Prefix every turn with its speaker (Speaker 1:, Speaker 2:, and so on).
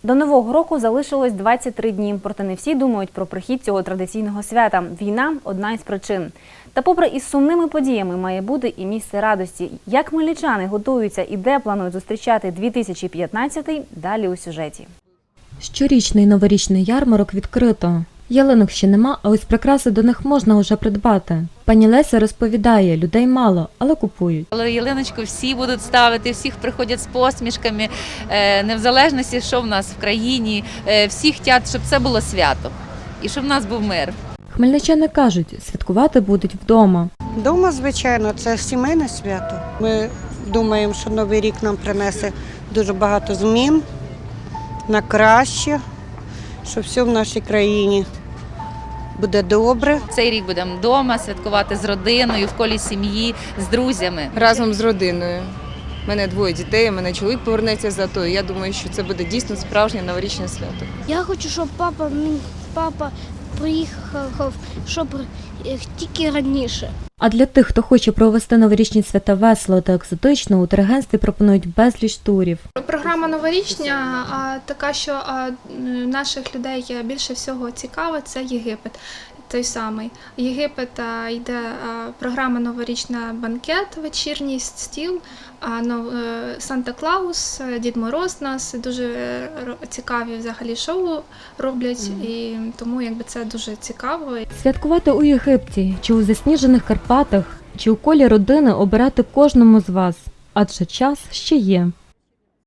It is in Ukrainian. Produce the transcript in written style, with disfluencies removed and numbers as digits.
Speaker 1: До Нового року залишилось 23 дні, проте не всі думають про прихід цього традиційного свята. Війна – одна із причин. Та попри із сумними подіями має бути і місце радості. Як хмельничани готуються і де планують зустрічати 2015-й – далі у сюжеті.
Speaker 2: Щорічний новорічний ярмарок відкрито. Ялинок ще нема, а ось прикраси до них можна вже придбати. Пані Леся розповідає, людей мало, але купують.
Speaker 3: Але ялиночку всі будуть ставити, всіх приходять з посмішками, не в залежності, що в нас в країні. Всі хочуть, щоб це було свято і щоб в нас був мир.
Speaker 2: Хмельничани кажуть, святкувати будуть вдома.
Speaker 4: Дома, звичайно, це сімейне свято. Ми думаємо, що Новий рік нам принесе дуже багато змін на краще, що все в нашій країні буде добре.
Speaker 3: Цей рік будемо вдома святкувати з родиною, в колі сім'ї, з друзями.
Speaker 5: Разом з родиною. У мене 2 дітей, у мене чоловік повернеться за то. Я думаю, що це буде дійсно справжнє новорічне свято.
Speaker 6: Я хочу, щоб папа приїхав, щоб тільки раніше.
Speaker 2: А для тих, хто хоче провести новорічні свята весело та екзотично, у турагентстві пропонують безліч турів.
Speaker 7: Програма новорічня така, що наших людей більше всього цікаво, це Єгипет. Той самий. Єгипет йде програма новорічна банкет, вечірній стіл, Санта-Клаус, Дід Мороз нас дуже цікаві взагалі шоу роблять, і тому це дуже цікаво.
Speaker 2: Святкувати у Єгипті, чи у засніжених Карпатах, чи у колі родини обирати кожному з вас, адже час ще є.